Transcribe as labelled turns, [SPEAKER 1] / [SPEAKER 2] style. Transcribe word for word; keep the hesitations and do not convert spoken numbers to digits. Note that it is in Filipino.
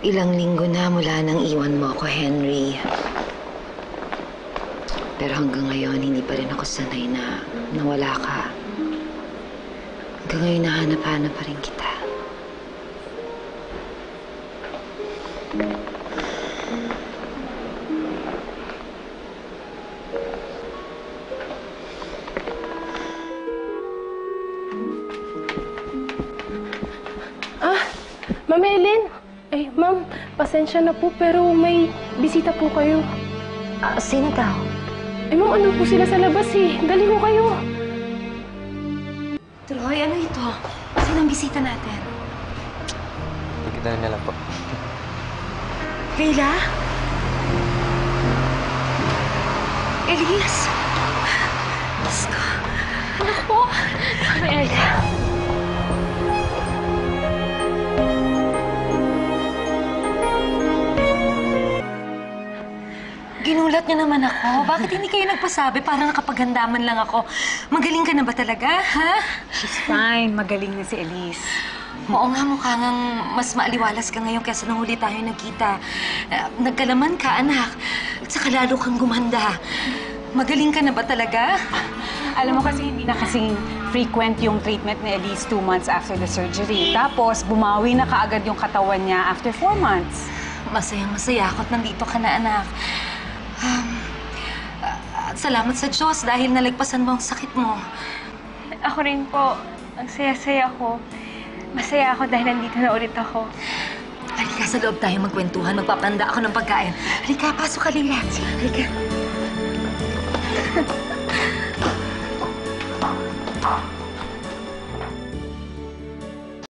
[SPEAKER 1] Ilang linggo na mula nang iwan mo ako, Henry. Pero hanggang ngayon, hindi pa rin ako sanay na nawala ka. Hanggang ngayon, nahanap-hanap pa rin kita.
[SPEAKER 2] Ah, Ma'am Ellen. Eh, ma'am, pasensya na po pero may bisita po kayo.
[SPEAKER 1] Ah, sino daw?
[SPEAKER 2] Eh, ma'am, ano po sila sa labas eh. Dali ko kayo.
[SPEAKER 1] Troy, ano ito? Sino ang bisita natin?
[SPEAKER 3] Pagkita na lang po.
[SPEAKER 1] Leila? Elise? Diyos ko. Anak ko. Leila. Ginulat niyo naman ako. Bakit hindi kayo nagpasabi para nakapaghandaman lang ako? Magaling ka na ba talaga, ha?
[SPEAKER 4] She's fine. Magaling na si Elise.
[SPEAKER 1] Oo nga, mukha ngang mas maaliwalas ka ngayon kaysa nung huli tayo nagkita. Uh, nagkalaman ka, anak. At saka lalo kang gumanda. Magaling ka na ba talaga?
[SPEAKER 4] Alam mo kasi hindi na kasing frequent yung treatment ni Elise two months after the surgery. Tapos, bumawi na kaagad yung katawan niya after four months.
[SPEAKER 1] Masayang-masaya ako at nandito ka na, anak. Um, uh, salamat sa Diyos dahil nalagpasan mo ang sakit mo.
[SPEAKER 2] Ako rin po. Ang saya-saya ko. Masaya ako dahil nandito na ulit ako.
[SPEAKER 1] Halika, sa loob tayo magkwentuhan. Magpapanda ako ng pagkain. Halika, pasok ka, Leila. Halika.